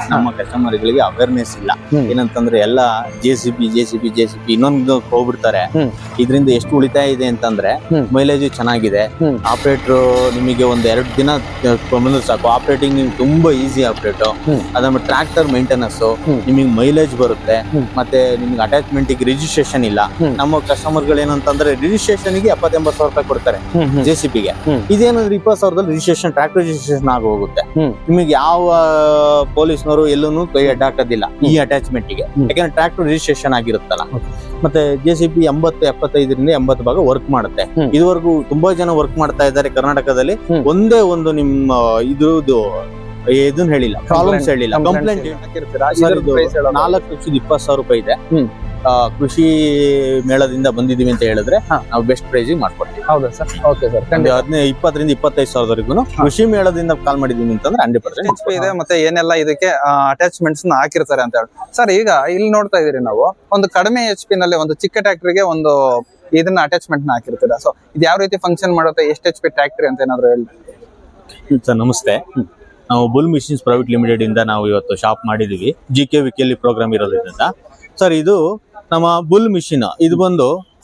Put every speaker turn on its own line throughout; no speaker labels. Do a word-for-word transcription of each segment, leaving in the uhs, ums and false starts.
ನಮ್ಮ ಕಸ್ಟಮರ್ ಗಳಿಗೆ ಅವೇರ್ನೆಸ್ ಇಲ್ಲ. ಏನಂತಂದ್ರೆ ಎಲ್ಲ J C B J C B J C B ಇನ್ನೊಂದು ಹೋಗ್ಬಿಡ್ತಾರೆ. ಇದರಿಂದ ಎಷ್ಟು ಉಳಿತಾಯ ಇದೆ ಅಂತಂದ್ರೆ ಮೈಲೇಜ್ ಚೆನ್ನಾಗಿದೆ. ಆಪರೇಟರ್ ನಿಮಗೆ ಒಂದ್ ಎರಡು ದಿನ ಬಂದ್ರೆ ಸಾಕು, ಆಪರೇಟಿಂಗ್ ನಿಮ್ಗೆ ತುಂಬಾ ಈಸಿ ಆಪರೇಟ್. ಅದಾದ್ಮೇಲೆ ಟ್ರಾಕ್ಟರ್ ಮೇಂಟೆನೆನ್ಸ್ ನಿಮಗೆ ಮೈಲೇಜ್ ಬರುತ್ತೆ. ಮತ್ತೆ ನಿಮ್ಗೆ ಅಟ್ಯಾಚ್ಮೆಂಟ್ ಗೆ ರಿಜಿಸ್ಟ್ರೇಷನ್ ಇಲ್ಲ. ನಮ್ಮ ಕಸ್ಟಮರ್ ಗಳು ಏನಂತಂದ್ರೆ ರಿಜಿಸ್ಟ್ರೇಷನ್ ಗೆ ಎಪ್ಪತ್ತ ಎಂಬತ್ತು ಸಾವಿರ ರೂಪಾಯಿ ಕೊಡ್ತಾರೆ ಜೆ ಸಿ ಪಿಗೆ. ಇದೇನಂದ್ರೆ ಇಪ್ಪತ್ತು ಸಾವಿರದಲ್ಲಿ ರಿಜಿಸ್ಟ್ರೇಷನ್ ಟ್ರಾಕ್ಟರ್ ರಿಜಿಸ್ಟ್ರೇಷನ್ ಆಗಿ ಹೋಗುತ್ತೆ. ನಿಮಗೆ ಯಾವ ಪೊಲೀಸ್ನವರು ಎಲ್ಲೂ ಕೈ ಅಡ್ಡ ಹಾಕೋದಿಲ್ಲ ಈ ಅಟ್ಯಾಚ್ಮೆಂಟ್ ಗೆ, ಯಾಕಂದ್ರೆ ಟ್ರಾಕ್ಟರ್ ರಿಜಿಸ್ಟ್ರೇಷನ್ ಆಗಿರುತ್ತಲ್ಲ. ಮತ್ತೆ ಜೆ ಸಿ ಪಿ ಎಂಬತ್ತು ಎಪ್ಪತ್ತೈದರಿಂದ ಎಂಬತ್ತು ಭಾಗ ವರ್ಕ್ ಮಾಡುತ್ತೆ. ಇದುವರೆಗೂ ತುಂಬಾ ಜನ ವರ್ಕ್ ಮಾಡ್ತಾ ಇದ್ದಾರೆ ಕರ್ನಾಟಕದಲ್ಲಿ. ಒಂದೇ ಒಂದು ನಿಮ್ಮ ಇದು ಇದನ್ನ ಹೇಳಿಲ್ಲ, ಪ್ರಾಬ್ಲಮ್ಸ್ ಹೇಳಿಲ್ಲ, ಕಂಪ್ಲೇಂಟ್. ನಾಲ್ಕು ಲಕ್ಷದ ಇಪ್ಪತ್ತು ಸಾವಿರ ರೂಪಾಯಿ ಇದೆ. ಕೃಷಿ ಮೇಳದಿಂದ ಬಂದಿದೀವಿ ಅಂತ ಹೇಳಿದ್ರೆ ನಾವು ಬೆಸ್ಟ್ ಪ್ರೈಸ್ ಮಾಡ್ಕೊಡ್ತೀವಿ.
ಹೌದಾ ಸರ್? Okay sir.
ಹದಿನೈದು ಇಪ್ಪತ್ತರಿಂದ ಇಪ್ಪತ್ತೈದು ಸಾವಿರವರೆಗೂ ಕೃಷಿ ಮೇಳದಿಂದ ಕಾಲ್ ಮಾಡಿದೀವಿ ಅಂತಂದ್ರೆ ಹಂಡ್ರೆಡ್ ಪರ್ಸೆಂಟ್
ಇದೆ. ಮತ್ತೆ ಏನೆಲ್ಲ ಇದಕ್ಕೆ ಅಟ್ಯಾಚ್ಮೆಂಟ್ಸ್ ಹಾಕಿರ್ತಾರೆ ಅಂತ ಹೇಳಿ ಸರ್. ಈಗ ಇಲ್ಲಿ ನೋಡ್ತಾ ಇದೀರಿ ನಾವು ಒಂದು ಕಡಿಮೆ ಎಚ್ ಪಿ ನಲ್ಲಿ ಒಂದು ಚಿಕ್ಕ ಟ್ರ್ಯಾಕ್ಟರ್ಗೆ ಒಂದು ಇದನ್ನ ಅಟ್ಯಾಚ್ಮೆಂಟ್ ನ ಹಾಕಿರ್ತೀರಾ. ಸೊ ಇದು ಯಾವ ರೀತಿ ಫಂಕ್ಷನ್ ಮಾಡುತ್ತೆ, ಎಷ್ಟು ಎಚ್ ಪಿ ಟ್ರ್ಯಾಕ್ಟರ್ ಅಂತ ಏನಾದ್ರು ಹೇಳಿ
ಸರ್. ನಮಸ್ತೆ, ನಾವು ಬುಲ್ ಮಿಷಿನ್ಸ್ ಪ್ರೈವೇಟ್ ಲಿಮಿಟೆಡ್ ಇಂದ ನಾವು ಇವತ್ತು ಶಾಪ್ ಮಾಡಿದೀವಿ. ಜಿ ಕೆ ವಿಕೆಲಿ ಪ್ರೋಗ್ರಾಮ್ ಇರೋದ್ರಿಂದ ಸರ್. ಇದು ನಮ್ಮ ಬುಲ್ ಮಿಷಿನ್, ಇದು ಬಂದು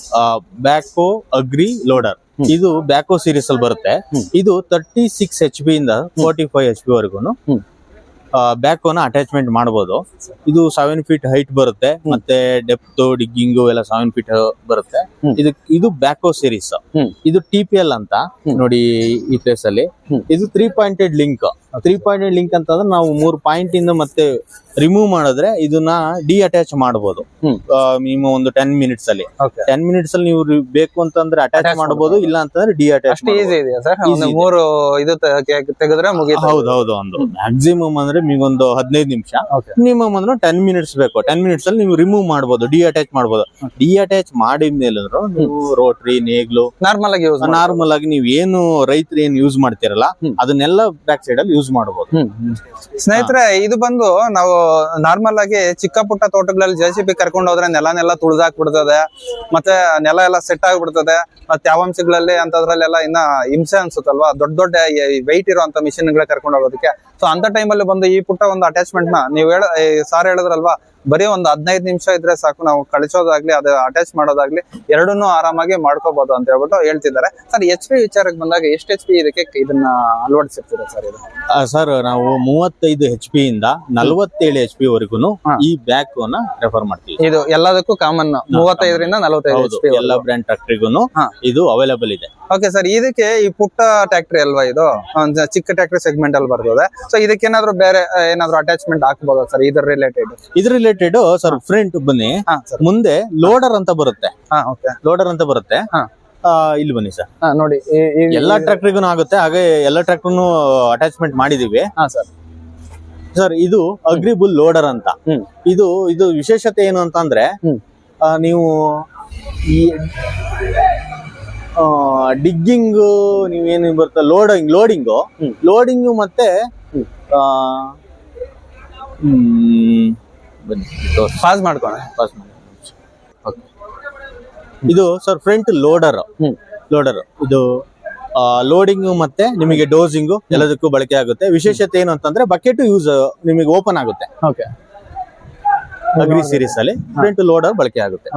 ಬ್ಯಾಕೋ ಅಗ್ರಿ ಲೋಡರ್. ಇದು ಬ್ಯಾಕೋ ಸೀರೀಸ್ ಅಲ್ಲಿ ಬರುತ್ತೆ. ಇದು ತರ್ಟಿ ಸಿಕ್ಸ್ ಎಚ್ ಪಿ ಇಂದ ಫೋರ್ಟಿ ಫೈವ್ ಎಚ್ ಪಿ ವರೆಗೂ ಬ್ಯಾಕೋನ ಅಟ್ಯಾಚ್ಮೆಂಟ್ ಮಾಡಬಹುದು. ಇದು ಸೆವೆನ್ ಫೀಟ್ ಹೈಟ್ ಬರುತ್ತೆ. ಮತ್ತೆ ಡೆಪ್ತ್ ಡಿಗ್ಗಿಂಗು ಎಲ್ಲ ಸೆವೆನ್ ಫೀಟ್ ಬರುತ್ತೆ. ಇದು ಇದು ಬ್ಯಾಕೋ ಸೀರೀಸ್. ಇದು ಟಿ ಪಿ ಎಲ್ ಅಂತ ನೋಡಿ ಈ ಪ್ಲೇಸ್ ಅಲ್ಲಿ. ಇದು three pointed link. Three pointed link ಅಂತಂದ್ರೆ ನಾವು ಮೂರ್ ಪಾಯಿಂಟ್ ಇಂದ ಮತ್ತೆ ರಿಮೂವ್ ಮಾಡಿದ್ರೆ ಇದನ್ನ ಡಿ ಅಟ್ಯಾಚ್ ಮಾಡಬಹುದು. ಮಿನಿಮಮ್ ಒಂದು ಟೆನ್ ಮಿನಿಟ್ಸ್ ಅಲ್ಲಿ ಟೆನ್ ಮಿನಿಟ್ಸ್ ಅಲ್ಲಿ ನೀವು ಬೇಕು ಅಂತಂದ್ರೆ ಅಟ್ಯಾಚ್ ಮಾಡಬಹುದು, ಇಲ್ಲ ಅಂತಂದ್ರೆ ಡಿ ಅಟ್ಯಾಚ್.
ಮೂರು ಇದು ತೆಗೆದ್ರೆ ಮುಗಿಯುತ್ತೆ.
ಹೌದೌದು. ಒಂದು ಮ್ಯಾಕ್ಸಿಮಮ್ ಅಂದ್ರೆ ನಿಮ್ಗೊಂದು ಹದಿನೈದು ನಿಮಿಷ, ಮಿನಿಮಮ್ ಅಂದ್ರೆ ಟೆನ್ ಮಿನಿಟ್ಸ್ ಬೇಕು. ಟೆನ್ ಮಿನಿಟ್ಸ್ ಅಲ್ಲಿ ನೀವು ರಿಮೂವ್ ಮಾಡಬಹುದು, ಡಿ ಅಟ್ಯಾಚ್ ಮಾಡಬಹುದು. ಡಿ ಅಟ್ಯಾಚ್ ಮಾಡಿದ್ಮೇಲೆ ನೀವು ರೋಟ್ರಿ ನೇಗ್ಲು
ನಾರ್ಮಲ್ ಆಗಿ
ನಾರ್ಮಲ್ ಆಗಿ ನೀವು ಏನು ರೈತರು ಏನ್ ಯೂಸ್ ಮಾಡ್ತಿರಲ್ಲ ಅದನ್ನೆಲ್ಲ ಬ್ಯಾಕ್ ಸೈಡ್ ಅಲ್ಲಿ ಯೂಸ್ ಮಾಡಬಹುದು.
ಸ್ನೇಹಿತರೆ, ಇದು ಬಂದು ನಾವು ನಾರ್ಮಲ್ ಆಗಿ ಚಿಕ್ಕ ಪುಟ್ಟ ತೋಟಗಳಲ್ಲಿ ಜೆ ಸಿ ಬಿ ಕರ್ಕೊಂಡು ಹೋದ್ರೆ ನೆಲ ನೆಲ ತುಳಿದಾಕ್ಬಿಡ್ತದೆ, ಮತ್ತೆ ನೆಲ ಎಲ್ಲ ಸೆಟ್ ಆಗ್ಬಿಡ್ತದೆ. ಮತ್ತೆ ತ್ಯಾವಾಂಶಗಳಲ್ಲಿ ಅಂತದ್ರಲ್ಲೆಲ್ಲ ಇನ್ನ ಹಿಂಸೆ ಅನ್ಸುತ್ತಲ್ವಾ, ದೊಡ್ಡ ದೊಡ್ಡ ವೈಟ್ ಇರುವಂತ ಮಿಷಿನ್ ಗಳ ಕರ್ಕೊಂಡು ಹೋಗೋದಕ್ಕೆ. ಸೊ ಅಂತ ಟೈಮಲ್ಲಿ ಬಂದು ಈ ಪುಟ್ಟ ಒಂದು ಅಟ್ಯಾಚ್ಮೆಂಟ್ ನ ನೀವು ಹೇಳ ಸಾರ್ ಹೇಳಿದ್ರಲ್ವಾ, ಬರೀ ಒಂದು ಹದಿನೈದು ನಿಮಿಷ ಇದ್ರೆ ಸಾಕು, ನಾವು ಕಳಿಸೋದಾಗ್ಲಿ ಅದು ಅಟ್ಯಾಚ್ ಮಾಡೋದಾಗ್ಲಿ ಎರಡನ್ನೂ ಆರಾಮಾಗಿ ಮಾಡ್ಕೋಬಹುದು ಅಂತ ಹೇಳ್ಬಿಟ್ಟು ಹೇಳ್ತಿದ್ದಾರೆ. ಸರ್, ಎಚ್ ಪಿ ವಿಚಾರಕ್ಕೆ ಬಂದಾಗ ಎಷ್ಟು ಎಚ್ ಪಿ ಇದಕ್ಕೆ ಇದನ್ನ ಅಳವಡಿಸಿರ್ತೀರಾ ಸರ್? ಇದು
ಸರ್ ನಾವು ಮೂವತ್ತೈದು ಎಚ್ ಪಿ ಇಂದ ನಲವತ್ತೇಳು ಎಚ್ ಪಿ ವರೆಗೂ ಈ ಬ್ಯಾಕ್ ನ ರೆಫರ್ ಮಾಡ್ತೀವಿ.
ಇದು ಎಲ್ಲದಕ್ಕೂ ಕಾಮನ್ ಮೂವತ್ತೈದರಿಂದ ನಲವತ್ತೈದು ಎಚ್ ಪಿ
ಎಲ್ಲ ಬ್ರ್ಯಾಂಡ್ ಟ್ರಾಕ್ಟರಿಗೂ ಇದು ಅವೈಲೇಬಲ್ ಇದೆ.
ಓಕೆ ಸರ್, ಇದಕ್ಕೆ ಈ ಪುಟ್ಟ ಟ್ಯಾಕ್ಟ್ರಿ ಅಲ್ವಾ, ಇದು ಚಿಕ್ಕ ಟ್ಯಾಕ್ಟ್ರಿ ಸೆಗ್ಮೆಂಟ್ ಅಲ್ಲಿ ಬರ್ತದೆ. ಸೊ ಇದಕ್ಕೆ ಏನಾದ್ರು ಬೇರೆ ಏನಾದ್ರು ಅಟ್ಯಾಚ್ಮೆಂಟ್ ಹಾಕಬಹುದಾ ಸರ್ ಇದ್ರ ರಿಲೇಟೆಡ್?
ಇದ್ರ ರಿಲೇಟೆಡ್ ಸರ್ ಫ್ರಂಟ್ ಬನ್ನಿ, ಮುಂದೆ ಲೋಡರ್ ಅಂತ ಬರುತ್ತೆ. ಲೋಡರ್ ಅಂತ ಬರುತ್ತೆ. ಇಲ್ಲಿ ಬನ್ನಿ ಸರ್,
ನೋಡಿ
ಎಲ್ಲಾ ಟ್ರಾಕ್ಟರಿಗೂ ಆಗುತ್ತೆ. ಹಾಗೆ ಎಲ್ಲಾ ಟ್ರಾಕ್ಟರ್ನು ಅಟ್ಯಾಚ್ಮೆಂಟ್ ಮಾಡಿದೀವಿ ಸರ್. ಸರ್ ಇದು ಅಗ್ರಿಬುಲ್ ಲೋಡರ್ ಅಂತ. ಇದು ಇದು ವಿಶೇಷತೆ ಏನು ಅಂತ ಅಂದ್ರೆ, ನೀವು ಈ ಡಿಗ್ಗಿಂಗ್ ನೀವೇನು ಬರುತ್ತೆ ಲೋಡಿಂಗ್ ಲೋಡಿಂಗು ಲೋಡಿಂಗು ಮತ್ತೆ
ಪಾಸ್ ಮಾಡ್ಕೋಣ
ಪಾಸ್ ಮಾಡಿ. ಇದು ಸರ್ ಫ್ರಂಟ್ ಲೋಡರ್ ಲೋಡರ್ ಇದು ಲೋಡಿಂಗ್ ಮತ್ತೆ ನಿಮಗೆ ಡೋಸಿಂಗು ಎಲ್ಲದಕ್ಕೂ ಬಳಕೆ ಆಗುತ್ತೆ. ವಿಶೇಷತೆ ಏನು ಅಂತಂದ್ರೆ ಬಕೆಟ್ ಯೂಸ್ ನಿಮಗೆ ಓಪನ್ ಆಗುತ್ತೆ.
ಓಕೆ,
ಅಗ್ರಿ ಸೀರೀಸ್ ಅಲ್ಲಿ ಫ್ರಂಟ್ ಲೋಡರ್ ಬಳಕೆ ಆಗುತ್ತೆ.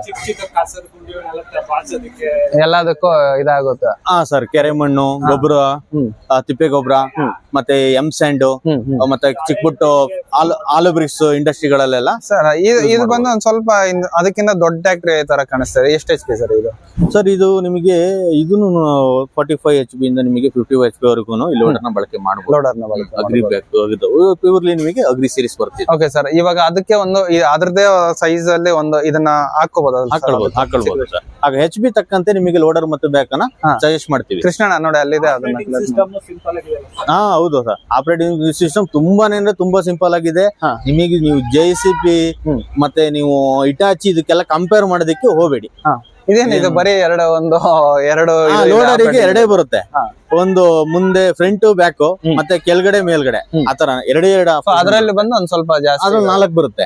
ಎಲ್ಲದಕ್ಕೂ ಇದಾಗುತ್ತೆ.
ಹಾ ಸರ್, ಕೆರೆ ಮಣ್ಣು ಗೊಬ್ಬರ, ತಿಪ್ಪೆ ಗೊಬ್ಬರ, ಮತ್ತೆ ಎಂ ಸ್ಯಾಂಡ್, ಮತ್ತೆ ಚಿಕ್ಕ ಪುಟ್ಟು ಆಲು ಬ್ರಿಕ್ಸ್ ಇಂಡಸ್ಟ್ರಿಗಳಲ್ಲೆಲ್ಲ.
ಸರ್ ಇದು ಬಂದು ಒಂದ್ ಸ್ವಲ್ಪ ಅದಕ್ಕಿಂತ ದೊಡ್ಡ ಟ್ಯಾಕ್ಟ್ರಿ ತರ ಕಾಣಿಸ್ತದೆ. ಎಷ್ಟು ಎಚ್ ಪಿ ಸರ್ ಇದು?
ಸರ್ ಇದು ನಿಮಗೆ ಇದನ್ನು ಫಾರ್ಟಿ ಫೈವ್ ಎಚ್ ಪಿ ಇಂದ ನಿಮಗೆ ಫಿಫ್ಟಿ ಎಚ್ ಪಿ ವರೆಗೂ ಈ ಲೋಡರ್ ನ ಬಳಕೆ ಮಾಡಬಹುದು.
ಲೋಡರ್ ನ ಬಳಕೆ
ಅಗ್ರಿ ಬ್ಯಾಕ್ ಪ್ಯೂರ್ಲಿ ನಿಮಗೆ ಅಗ್ರಿ ಸೀರೀಸ್ ಬರ್ತದೆ.
ಓಕೆ ಸರ್, ಇವಾಗ ಅದಕ್ಕೆ ಒಂದು ಅದ್ರದೇ ಸೈಜ್ ಅಲ್ಲಿ ಒಂದು ಇದನ್ನ ಹಾಕೋಬಹುದು
ಹಾಕೊಳ್ಬಹುದು ಹಾಕೊಳ್ಬಹುದು ಸರ್. ಆಗ ಎಚ್ ಬಿ ತಕ್ಕಂತೆ ನಿಮಗೆ ಲೋಡರ್ ಮತ್ತು ಬ್ಯಾಕ್ ಅನ್ನ ಸಜೆಸ್ಟ್ ಮಾಡ್ತೀವಿ.
ಕೃಷ್ಣಣ್ಣ ನೋಡಿ ಅಲ್ಲಿದೆ ಅದನ್ನ.
ಹಾ ಹೌದು ಸರ್, ಆಪರೇಟಿಂಗ್ ಸಿಸ್ಟಮ್ ತುಂಬಾನೇ ಅಂದ್ರೆ ತುಂಬಾ ಸಿಂಪಲ್ ಆಗಿದೆ. ನಿಮಗೆ ನೀವು ಜೆ ಸಿ ಪಿ ಮತ್ತೆ ನೀವು ಇಟಾಚಿ ಇದಕ್ಕೆಲ್ಲ ಕಂಪೇರ್ ಮಾಡೋದಕ್ಕೆ ಹೋಗಬೇಡಿ.
ಇದೇನು ಇದು ಬರೀ ಎರಡು ಒಂದು ಎರಡು
ಲೋಡರಿಗೆ ಎರಡೇ ಬರುತ್ತೆ. ಒಂದು ಮುಂದೆ ಫ್ರಂಟ್ ಬ್ಯಾಕ್ ಮತ್ತೆ ಕೆಳಗಡೆ ಮೇಲ್ಗಡೆ ಆತರ ಎರಡೇ ಎರಡು.
ಅದರಲ್ಲಿ ಬಂದು ಒಂದ್ ಸ್ವಲ್ಪ ಜಾಸ್ತಿ
ಅದ್ರಲ್ಲಿ ನಾಲ್ಕು ಬರುತ್ತೆ.
ಓಕೆ,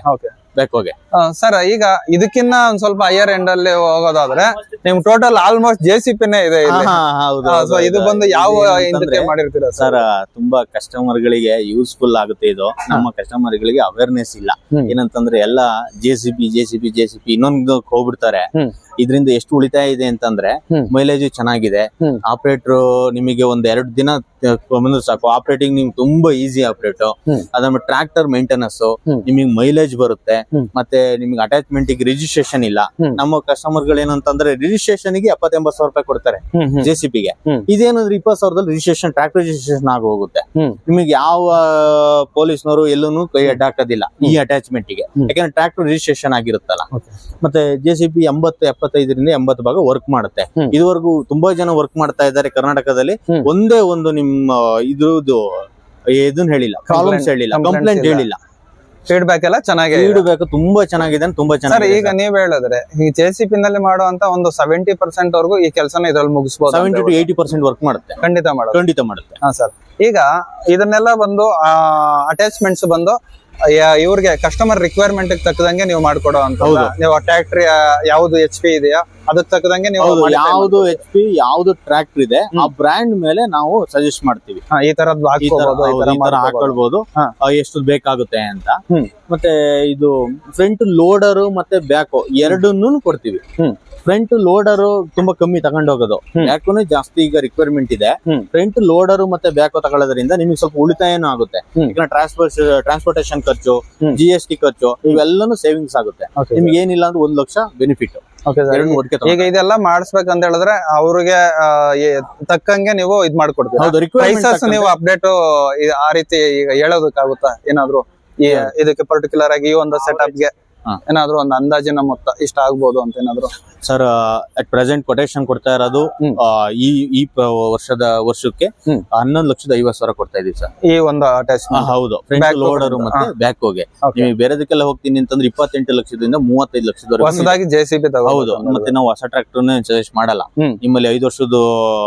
ಬೇಕೋಗೆ.
ಸರ್ ಈಗ ಇದಕ್ಕಿನ್ನ ಒಂದ್ ಸ್ವಲ್ಪ ಹೈಯರ್ ಎಂಡ್ ಅಲ್ಲಿ ಹೋಗೋದಾದ್ರೆ ನಿಮ್ ಟೋಟಲ್ ಆಲ್ಮೋಸ್ಟ್ ಜೆ ಸಿ ಪಿನೇ ಇದೆ ಇಲ್ಲಿ.
ಹಾ, ಹೌದು,
ಆ,
ಹೌದು,
so ಇದು
ಹೌದು.
ಬಂದು ಯಾವ
ಇದೇನಂತಂದ್ರೆ
ಇಂದಕ್ಕೆ ಮಾಡಿರ್ತೀರಾ
ಸರ್ ತುಂಬಾ ಕಸ್ಟಮರ್ ಗಳಿಗೆ ಯೂಸ್ಫುಲ್ ಆಗುತ್ತೆ ಇದು. ನಮ್ಮ ಕಸ್ಟಮರ್ ಗಳಿಗೆ ಅವೇರ್ನೆಸ್ ಇಲ್ಲ.
ಹ್ಮ್.
ಏನಂತಂದ್ರೆ ಎಲ್ಲ J C B J C B J C B ಇನ್ನೊಂದು ಹೋಗ್ಬಿಡ್ತಾರೆ.
ಹ್ಮ್.
ಇದರಿಂದ ಎಷ್ಟು ಉಳಿತಾಯ ಇದೆ ಅಂತಂದ್ರೆ
ಹ್ಮ್.
ಮೈಲೇಜ್ ಚೆನ್ನಾಗಿದೆ.
ಹ್ಮ್.
ಆಪರೇಟರ್ ನಿಮಗೆ ಒಂದ್ ಎರಡು ದಿನ ಬಂದ್ರೆ ಸಾಕು. ಆಪರೇಟಿಂಗ್ ನಿಮ್ಗೆ ತುಂಬಾ ಈಸಿ ಆಪರೇಟ್.
ಹ್ಮ್.
ಅದಾದ್ಮೇಲೆ ಟ್ರಾಕ್ಟರ್ ಮೇಂಟೆನೆನ್ಸ್
ಹ್ಮ್.
ನಿಮಗೆ ಮೈಲೇಜ್ ಬರುತ್ತೆ.
ಹ್ಮ್.
ಮತ್ತೆ ನಿಮ್ಗೆ ಅಟ್ಯಾಚ್ಮೆಂಟ್ ಗೆ ರಿಜಿಸ್ಟ್ರೇಷನ್ ಇಲ್ಲ.
ಹ್ಮ್.
ನಮ್ಮ ಕಸ್ಟಮರ್ ಗಳು ಏನಂತಂದ್ರೆ ರಿಜಿಸ್ಟ್ರೇಷನ್ ಗೆ ಎಪ್ಪತ್ ಎಂಬತ್ ಸಾವಿರ ರೂಪಾಯಿ ಕೊಡ್ತಾರೆ ಜೆ ಸಿ ಪಿಗೆ.
ಹ್ಮ್.
ಇದೇನಂದ್ರೆ ಇಪ್ಪತ್ ಸಾವಿರದಲ್ಲಿ ರಿಜಿಸ್ಟ್ರೇಷನ್ ಟ್ರಾಕ್ಟರ್ ರಿಜಿಸ್ಟ್ರೇಷನ್ ಆಗಿ ಹೋಗುತ್ತೆ.
ಹ್ಮ್.
ನಿಮಗೆ ಯಾವ ಪೊಲೀಸ್ನವರು ಎಲ್ಲೂ ಕೈ ಅಡ್ಡಾಕೋದಿಲ್ಲ ಈ ಅಟ್ಯಾಚ್ಮೆಂಟ್ ಗೆ.
ಹ್ಮ್.
ಯಾಕಂದ್ರೆ ಟ್ರಾಕ್ಟರ್ ರಿಜಿಸ್ಟ್ರೇಷನ್ ಆಗಿರುತ್ತಲ್ಲ.
Okay.
ಮತ್ತೆ ಜೆ ಸಿ ಬಿ ಎಂಬತ್ತು ಎಪ್ಪತ್ತೈದರಿಂದ ಎಂಬತ್ತು ಭಾಗ ವರ್ಕ್ ಮಾಡುತ್ತೆ.
ಹ್ಮ್.
ಇದುವರೆಗೂ ತುಂಬಾ ಜನ ವರ್ಕ್ ಮಾಡ್ತಾ ಇದ್ದಾರೆ ಕರ್ನಾಟಕದಲ್ಲಿ.
ಹ್ಮ್.
ಒಂದೇ ಒಂದು ನಿಮ್ಮ ಇದ್ರದ್ದು ಇದನ್ನ ಹೇಳಿಲ್ಲ, ಪ್ರಾಬ್ಲಮ್ಸ್ ಹೇಳಿಲ್ಲ,
Complaints
ಕಂಪ್ಲೇಂಟ್
ಇಲ್ಲ.
ಹೇಳಿಲ್ಲ.
ಫೀಡ್ಬ್ಯಾಕ್ ಎಲ್ಲ ಚೆನ್ನಾಗಿ
ಫೀಡ್ಬ್ಯಾಕ್ ತುಂಬಾ ಚೆನ್ನಾಗಿದೆ, ತುಂಬಾ
ಸರ್.
ಚೆನ್ನಾಗಿದೆ.
ಈಗ ನೀವ್ ಹೇಳಿದ್ರೆ ಈ ಜೆ ಸಿ ಪಿ ನಲ್ಲಿ ಮಾಡುವಂತ ಒಂದು ಸೆವೆಂಟಿ ಪರ್ಸೆಂಟ್ ವರ್ಗು ಈ ಕೆಲಸನ ಇದ್ರಲ್ಲಿ ಮುಗಿಸಬಹುದು.
Seventy to eighty percent work ಮಾಡುತ್ತೆ,
ಖಂಡಿತ ಮಾಡೋದು.
ಖಂಡಿತ ಮಾಡುತ್ತೆ.
ಹಾ ಸರ್. ಈಗ ಇದನ್ನೆಲ್ಲ ಬಂದು ಅಟ್ಯಾಚ್ಮೆಂಟ್ಸ್ ಬಂದು ಯಾ- ಇವ್ರಿಗೆ ಕಸ್ಟಮರ್ ರಿಕ್ವೈರ್ಮೆಂಟ್ ತಕ್ಕದಂಗೆ ನೀವು ಮಾಡ್ಕೊಡೋ ಅಂತ.
ಹೌದು.
ನೀವು ಟ್ಯಾಕ್ಟ್ರಿ ಯಾವ್ದು ಎಚ್ ಪಿ ಇದೆಯಾ ಅದಕ್ಕೆ ತಕ್ಕದಂಗೆ ನೀವು
ಹೌದು,
modify
ಯಾವ್ದು
ಮಾಡ್ಕೊಡಿ.
ಎಚ್ ಪಿ ಯಾವ್ದು ಟ್ರ್ಯಾಕ್ಟರ್ ಇದೆ ಆ ಬ್ರ್ಯಾಂಡ್ ಮೇಲೆ ನಾವು ಸಜೆಸ್ಟ್ ಮಾಡ್ತೀವಿ.
ಹಾ, ಈ ತರದ್
ಈ ತರ
ಹಾಕ್ಕೋಬಹುದು, ಈ
ಹೌದು,
ತರ
ಈ ತರ
ಮಾಡ್ಕೊಬಹುದು.
ಹಾಕೊಳ್ಬಹುದು,
ಹಾ.
ಆ, ಎಷ್ಟು ಬೇಕಾಗುತ್ತೆ ಅಂತ.
ಹ್ಮ್.
ಮತ್ತೆ ಇದು ಫ್ರಂಟ್ ಲೋಡರ್ ಮತ್ತೆ ಬ್ಯಾಕ್ ಎರಡನ್ನೂ ಕೊಡ್ತೀವಿ.
ಹ್ಮ್.
ಫ್ರಂಟ್ ಲೋಡರ್ ತುಂಬಾ ಕಮ್ಮಿ ತಗೊಂಡ್ ಹೋಗೋದು.
ಹ್ಮ್.
ಯಾಕಂದ್ರೆ ಜಾಸ್ತಿ ಈಗ ರಿಕ್ವೈರ್ಮೆಂಟ್ ಇದೆ.
ಹ್ಮ್.
ಫ್ರಂಟ್ ಲೋಡರ್ ಮತ್ತೆ ಬ್ಯಾಕ್ ತಗೊಳ್ಳೋದ್ರಿಂದ ನಿಮಗೆ ಸ್ವಲ್ಪ ಉಳಿತಾಯನೂ ಆಗುತ್ತೆ.
ಹ್ಮ್.
ಈಗ ಟ್ರಾನ್ಸ್ಪೋರ್ಟ್ ಟ್ರಾನ್ಸ್ಪೋರ್ಟೇಶನ್ ಖರ್ಚು,
ಹ್ಮ್.
ಜಿ ಎಸ್ ಟಿ ಖರ್ಚು ಇವೆಲ್ಲನೂ ಸೇವಿಂಗ್ಸ್ ಆಗುತ್ತೆ.
Okay,
ನಿಮ್ಗೆ ಏನಿಲ್ಲ ಅಂದ್ರೆ ಒಂದ್ ಲಕ್ಷ ಬೆನಿಫಿಟ್.
Okay, sir.
ಎರಡು ಒಟ್ಟಿಗೆ ತಗೊಂಡ್ರೆ.
ಈಗ ಇದೆಲ್ಲ ಮಾಡಿಸ್ಬೇಕಂತ ಹೇಳಿದ್ರೆ ಅವ್ರಿಗೆ ಆ, ಏ- ತಕ್ಕಂಗೆ ನೀವು ಇದ್ ಮಾಡ್ಕೊಡ್ತೀರಾ.
ಹೌದು, requirement
ಪ್ರೈಸಸ್
ತಕ್ಕಂತೆ.
ನೀವು ಅಪ್ಡೇಟ್ ಆ ರೀತಿ ಈಗ ಹೇಳೋದಕ್ಕಾಗುತ್ತಾ ಏನಾದ್ರು ಈ ಇದಕ್ಕೆ ಪರ್ಟಿಕ್ಯುಲರ್ ಆಗಿ ಈ ಒಂದು ಸೆಟಪ್ ಗೆ
ಹಾ.
ಏನಾದ್ರು ಒಂದು ಅಂದಾಜಿನ ಮೊತ್ತ ಇಷ್ಟ ಆಗ್ಬೋದು ಅಂತ ಏನಾದ್ರು?
ಸರ್ ಅಟ್ ಪ್ರೆಸೆಂಟ್ ಕೊಟೇಶನ್ ಕೊಡ್ತಾ ಇರೋದು
ಹ್ಮ್.
ಆ, ಈ ಈ ಪ- ವರ್ಷದ ವರ್ಷಕ್ಕೆ
ಹ್ಮ್.
ಹನ್ನೊಂದು ಲಕ್ಷದ ಐವತ್ ಸಾವಿರ ಕೊಡ್ತಾ ಇದೀವಿ ಸರ್.
ಈ ಒಂದು ಅಟ್ಯಾಚ್
ಆ, ಹೌದು, ಫ್ರಂಟ್
Back
ಲೋಡರ್
ಹೋಗೋದು.
ಮತ್ತೆ ಬ್ಯಾಕ್ ಹೋಗಿ.
Okay.
ನೀವು ಬೇರೆದಕ್ಕೆಲ್ಲ ಹೋಗ್ತೀನಿ ಅಂತಂದ್ರೆ ಇಪ್ಪತ್ತೆಂಟು ಲಕ್ಷದಿಂದ ಮೂವತ್ತೈದು ಲಕ್ಷದವರೆಗೂ ಇದೆ.
ಹೊಸದಾಗಿ ಜೆ ಸಿ ಬಿ
ಹೌದು, ಮತ್ತೆ ನಾವು ಹೊಸ ಟ್ರಾಕ್ಟರ್ ಸಜೆಸ್ಟ್ ಮಾಡಲ್ಲ.
ಹ್ಮ್.
ನಿಮ್ಮಲ್ಲಿ ಐದು ವರ್ಷದ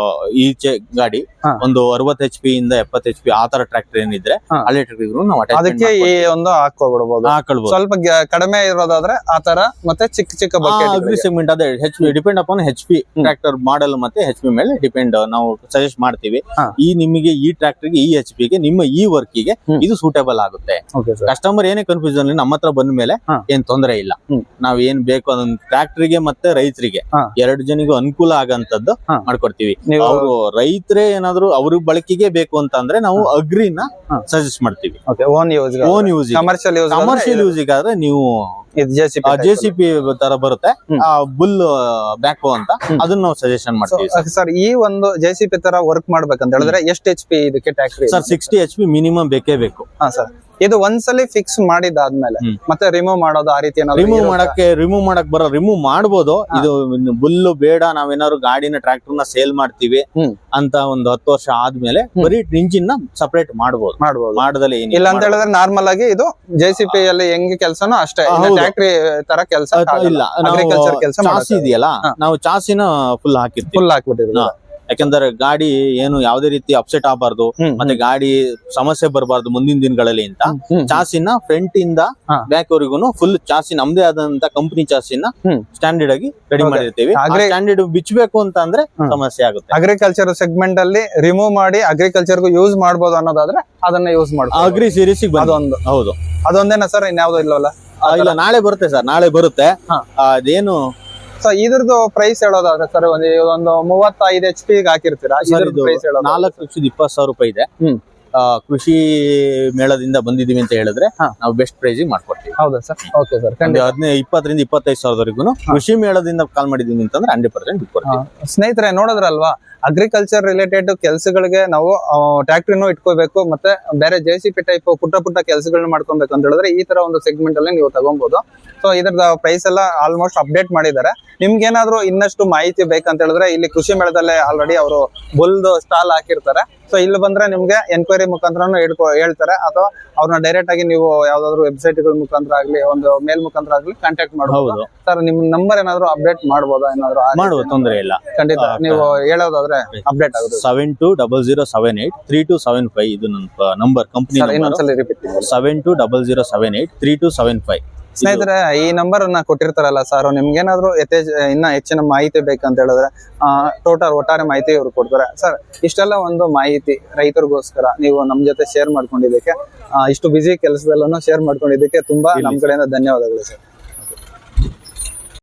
ಈಚೆ ಗಾಡಿ
ಹಾ.
ಒಂದು ಅರವತ್ತು ಎಚ್ ಪಿ ಇಂದ ಎಪ್ಪತ್ತು ಎಚ್ ಪಿ ಆ ತರ ಟ್ರಾಕ್ಟರ್ ಏನಿದ್ರೆ
ಹಾ.
ಹಳೆ ಟ್ರಾಕ್ಟರ್ ನಾವು
ಅದಕ್ಕೆ ಈ ಒಂದು ಹಾಕೋಬಿಡ್ಬೋದು.
ಹಾಕೊಳ್ಬಹುದು.
ಸ್ವಲ್ಪ ಗ- ಕಡಿಮೆ ಇರೋದಾದ್ರೆ ಆ ತರ ಮತ್ತೆ ಚಿಕ್ಕ ಚಿಕ್ಕ
ಅಗ್ರಿ
ಬಕೆಟ್.
ಸೆಗ್ಮೆಂಟ್ ಅದೇ H P depend upon H P tractor model ಮತ್ತೆ ಹೆಚ್ ಪಿ ಮೇಲೆ ಡಿಪೆಂಡ್ ನಾವು ಸಜೆಸ್ಟ್ ಮಾಡ್ತೀವಿ.
ಹಾ.
ಈ ನಿಮಗೆ ಈ ಟ್ರಾಕ್ಟರ್ ಗೆ ಈ ಎಚ್ ಪಿ ಗೆ ನಿಮ್ಮ ಈ ವರ್ಕ್ ಗೆ
ಹ್ಮ್.
ಇದು ಸೂಟೇಬಲ್ ಆಗುತ್ತೆ.
Okay sir.
ಕಸ್ಟಮರ್ ಏನೇ ಕನ್ಫ್ಯೂಷನ್ ನಮ್ಮ ಹತ್ರ ಬಂದ ಮೇಲೆ
ಹಾ.
ಏನ್ ತೊಂದರೆ ಇಲ್ಲ.
ಹ್ಮ್.
ನಾವ್ ಏನ್ ಬೇಕು ಅದನ್ನ ಟ್ರಾಕ್ಟರ್ ಗೆ ಮತ್ತೆ ರೈತರಿಗೆ
ಹಾ.
ಎರಡು ಜನಿಗೂ ಅನುಕೂಲ ಆಗಂತದ್ದು
ಹಾ.
ಮಾಡ್ಕೊಡ್ತೀವಿ.
ನೀವು
ಅವರು ರೈತರೇ ಏನಾದ್ರು ಅವ್ರ ಬಳಕೆಗೆ ಬೇಕು ಅಂತ ಅಂದ್ರೆ ನಾವು ಅಗ್ರಿನ
ಹಾ.
ಸಜೆಸ್ಟ್ ಮಾಡ್ತೀವಿ.
Okay own use
own use
commercial use
commercial use ಆದ್ರೆ ನೀವು
J C
J C P ತರ ಬರುತ್ತೆ
ಹ್ಮ್.
ಬುಲ್ ಬ್ಯಾಕ್ ಅಂತ
ಹ್ಮ್.
ಅದನ್ನ ನಾವು ಸಜೆಷನ್ ಮಾಡ್ತೀವಿ ಸರ್.
ಸರ್ ಈ ಒಂದು ಜೆ ಸಿ ಪಿ ತರ ವರ್ಕ್ ಮಾಡ್ಬೇಕಂತ ಹೇಳಿದ್ರೆ ಎಷ್ಟು ಎಚ್ ಪಿ ಇದಕ್ಕೆ ಟ್ಯಾಕ್ಟ್ರಿ?
Sir sixty H P minimum ಬೇಕೇ ಬೇಕು.
ಹಾ ಸರ್. ಇದು ಒಂದ್ಸಲಿ ಫಿಕ್ಸ್ ಮಾಡಿದಾದ್ಮೇಲೆ
ಹ್ಮ್.
ಮತ್ತೆ ರಿಮೂವ್ ಮಾಡೋದು ಆ ರೀತಿ ಏನಾದ್ರು
ರಿಮೂವ್
ಇರುತ್ತಾ?
ಮಾಡಕ್ಕೆ ರಿಮೂವ್ ಮಾಡಕ್ ಬರೋ ರಿಮೂವ್ ಮಾಡ್ಬೋದು. ಇದು ಬುಲ್ಲು ಬೇಡ ನಾವೇನಾದ್ರು ಗಾಡಿನ ಟ್ರಾಕ್ಟರ್ ನ ಸೇಲ್ ಮಾಡ್ತೀವಿ
ಹ್ಮ್.
ಅಂತ ಒಂದು ಹತ್ತು ವರ್ಷ ಆದ್ಮೇಲೆ ಬರೀ ಇಂಜಿನ್ ನ ಸಪರೇಟ್ ಮಾಡ್ಬೋದು.
ಮಾಡ್ಬೋದು.
ಮಾಡದಲ್ಲಿ ಏನಿಲ್ಲ.
ಇಲ್ಲ ಅಂತ ಹೇಳಿದ್ರೆ ನಾರ್ಮಲ್ ಆಗಿ ಇದು ಜೆ ಸಿ ಪಿ ಅಲ್ಲಿ ಹೆಂಗ್ ಕೆಲಸನೋ ಅಷ್ಟೇ,
ಹೌದು.
ಟ್ಯಾಕ್ಟ್ರಿ ತರ ಕೆಲಸ
ಇಲ್ಲ,
ಅಗ್ರಿಕಲ್ಚರ್ ಕೆಲಸ
ಚಾಸಿ ಇದೆಯಲ್ಲ ನಾವು ಚಾಸಿನ ಫುಲ್ ಹಾಕಿರ್ತೀವಿ.
ಫುಲ್ ಹಾಕ್ಬಿಟ್ಟಿದ್ರು.
ಹಾ. ಯಾಕಂದ್ರೆ ಗಾಡಿ ಏನು ಯಾವ್ದೇ ರೀತಿ ಅಪ್ಸೆಟ್ ಆಗಬಾರ್ದು
ಹ್ಮ್.
ಮತ್ತೆ ಗಾಡಿ ಸಮಸ್ಯೆ ಬರಬಾರ್ದು ಮುಂದಿನ ದಿನಗಳಲ್ಲಿ ಅಂತ
ಹ್ಮ್.
ಚಾಸಿನ ಫ್ರಂಟ್ ಇಂದ
ಹಾ.
ಬ್ಯಾಕ್ ವರೆಗೂ ಫುಲ್ ಚಾಸಿ ನಮ್ದೇ ಆದಂತ ಕಂಪನಿ ಚಾಸಿನ
ಹ್ಮ್.
ಸ್ಟ್ಯಾಂಡರ್ಡ್ ಆಗಿ ರೆಡಿ
Okay.
ಮಾಡಿರ್ತೀವಿ.
ಆಗ್ರಿ-
ಸ್ಟ್ಯಾಂಡರ್ಡ್ ಬಿಚ್ಚಬೇಕು ಅಂತ ಅಂದ್ರೆ
ಹ್ಮ್.
ಸಮಸ್ಯೆ ಆಗುತ್ತೆ.
ಅಗ್ರಿಕಲ್ಚರ್ ಸೆಗ್ಮೆಂಟ್ ಅಲ್ಲಿ ರಿಮೂವ್ ಮಾಡಿ ಅಗ್ರಿಕಲ್ಚರ್ ಗೂ ಯೂಸ್ ಮಾಡ್ಬೋದು ಅನ್ನೋದಾದ್ರೆ ಅದನ್ನ ಯೂಸ್ ಮಾಡ್ಬೋದು.
ಅಗ್ರಿ ಸೀರೀಸ್
ಅದೊಂದು
ಹೌದು.
ಅದೊಂದೇನಾ ಸರ್? ಇನ್ಯಾವ್ದು ಇಲ್ಲವಲ್ಲ?
ಆ, ಇಲ್ಲ ನಾಳೆ ಬರುತ್ತೆ ಸರ್, ನಾಳೆ ಬರುತ್ತೆ.
ಹಾ.
ಆ, ಅದೇನು
ಸೊ ಇದ್ರದ್ದು ಪ್ರೈಸ್ ಹೇಳೋದಾದ್ರೆ ಸರ್ ಒಂದು ಒಂದು ಮೂವತ್ತೈದು ಎಚ್ ಪಿ ಹಾಕಿರ್ತೀರಾ,
ಸರ್
ಇದ್ರದ್ದು
ಇದು
ಪ್ರೈಸ್ ಹೇಳೋದು?
ನಾಲ್ಕು ಲಕ್ಷದ ಇಪ್ಪತ್ತು ಸಾವಿರ ರೂಪಾಯಿ ಇದೆ.
ಹ್ಮ್.
ಆ, ಕೃಷಿ ಮೇಳದಿಂದ ಬಂದಿದೀವಿ ಅಂತ ಹೇಳಿದ್ರೆ
ಹಾ.
ನಾವು ಬೆಸ್ಟ್ ಪ್ರೈಸ್ ಮಾಡ್ಕೊಡ್ತೀವಿ.
ಹೌದಾ ಸರ್? Okay sir.
ಒಂದು ಹದಿನೈದು ಇಪ್ಪತ್ತರಿಂದ ಇಪ್ಪತ್ತೈದು ಸಾವಿರದವರೆಗೂ ಕೃಷಿ ಮೇಳದಿಂದ ಕಾಲ್ ಮಾಡಿದೀವಿ ಅಂತಂದ್ರೆ ಹಂಡ್ರೆಡ್ ಪರ್ಸೆಂಟ್ ಬಿಟ್ಕೊಡ್ತೀವಿ.
ಸ್ನೇಹಿತರೆ ನೋಡಿದ್ರಲ್ವಾ, ಅಗ್ರಿಕಲ್ಚರ್ ರಿಲೇಟೆಡ್ ಕೆಲಸಗಳಿಗೆ ನಾವು ಟ್ಯಾಕ್ಟ್ರಿನೂ ಇಟ್ಕೋಬೇಕು ಮತ್ತೆ ಬೇರೆ ಜೆ ಸಿ ಪಿ ಟೈಪ್ ಪುಟ್ಟ ಪುಟ್ಟ ಕೆಲಸಗಳನ್ನ ಮಾಡ್ಕೊಬೇಕು ಅಂತ ಹೇಳಿದ್ರೆ ಈ ತರ ಒಂದು ಸೆಗ್ಮೆಂಟ್ ಅಲ್ಲಿ ನೀವು ತಗೊಬಹುದು. ಸೊ ಇದ್ರದ ಪ್ರೈಸ್ ಎಲ್ಲ ಆಲ್ಮೋಸ್ಟ್ ಅಪ್ಡೇಟ್ ಮಾಡಿದ್ದಾರೆ. ನಿಮ್ಗೆ ಏನಾದ್ರು ಇನ್ನಷ್ಟು ಮಾಹಿತಿ ಬೇಕಂತ ಹೇಳಿದ್ರೆ ಇಲ್ಲಿ ಕೃಷಿ ಮೇಳದಲ್ಲೇ ಆಲ್ರೆಡಿ ಅವರು ಬುಲ್ದು ಸ್ಟಾಲ್ ಹಾಕಿರ್ತಾರೆ. ಸೊ ಇಲ್ಲಿ ಬಂದ್ರೆ ನಿಮ್ಗೆ ಎನ್ಕ್ವೈರಿ ಮುಖಾಂತರನು ಹೇಳ್ಕೊ ಹೇಳ್ತಾರೆ ಅಥವಾ ಅವ್ರನ್ನ ಡೈರೆಕ್ಟ್ ಆಗಿ ನೀವು ಯಾವ್ದಾದ್ರು ವೆಬ್ಸೈಟ್ ಗಳ ಮುಖಾಂತರ ಆಗ್ಲಿ ಒಂದು ಮೇಲ್ ಮುಖಾಂತರ ಆಗ್ಲಿ ಕಾಂಟ್ಯಾಕ್ಟ್ ಮಾಡಬಹುದು.
ಹೌದು.
ಸರ್ ನಿಮ್ ನಂಬರ್ ಏನಾದ್ರು ಅಪ್ಡೇಟ್ ಮಾಡಬಹುದಾ? ಏನಾದ್ರು ಆ ರೀತಿ
ಮಾಡುವ ತೊಂದರೆ ಇಲ್ಲ.
ಖಂಡಿತ
ಆ,
ನೀವು ಹೇಳೋದಾದ್ರೆ ಅಪ್ಡೇಟ್ ಆಗುತ್ತೆ.
Seven two double zero seven eight three two seven five ಇದು ನನ್ನ ನಂಬರ್ ಕಂಪ್ನಿ
ಸರ್ ಇನ್ನೊಂದ್ಸಲಿ ರಿಪೀಟ್ ಮಾಡಿ.
Seven two double zero seven eight three two seven five
ಸ್ನೇಹಿತರೆ ಈ ನಂಬರ್ ಅನ್ನ ಕೊಟ್ಟಿರ್ತಾರಲ್ಲ ಸರ್, ನಿಮ್ಗೇನಾದ್ರು ಯಥೇಚ್ ಇನ್ನ ಹೆಚ್ಚಿನ ಮಾಹಿತಿ ಬೇಕಂತ ಹೇಳಿದ್ರೆ ಟೋಟಲ್ ಒಟ್ಟಾರೆ ಮಾಹಿತಿ ಇವ್ರು ಕೊಡ್ತಾರೆ. ಸರ್ ಇಷ್ಟೆಲ್ಲ ಒಂದು ಮಾಹಿತಿ ರೈತರಿಗೋಸ್ಕರ ನೀವು ನಮ್ ಜೊತೆ ಶೇರ್ ಮಾಡ್ಕೊಂಡಿದ್ದಕ್ಕೆ, ಇಷ್ಟು ಬಿಸಿ ಕೆಲಸದಲ್ಲೂ ಶೇರ್ ಮಾಡ್ಕೊಂಡಿದ್ದಕ್ಕೆ ತುಂಬಾ ನಮ್ ಕಡೆಯಿಂದ ಧನ್ಯವಾದಗಳು ಸರ್.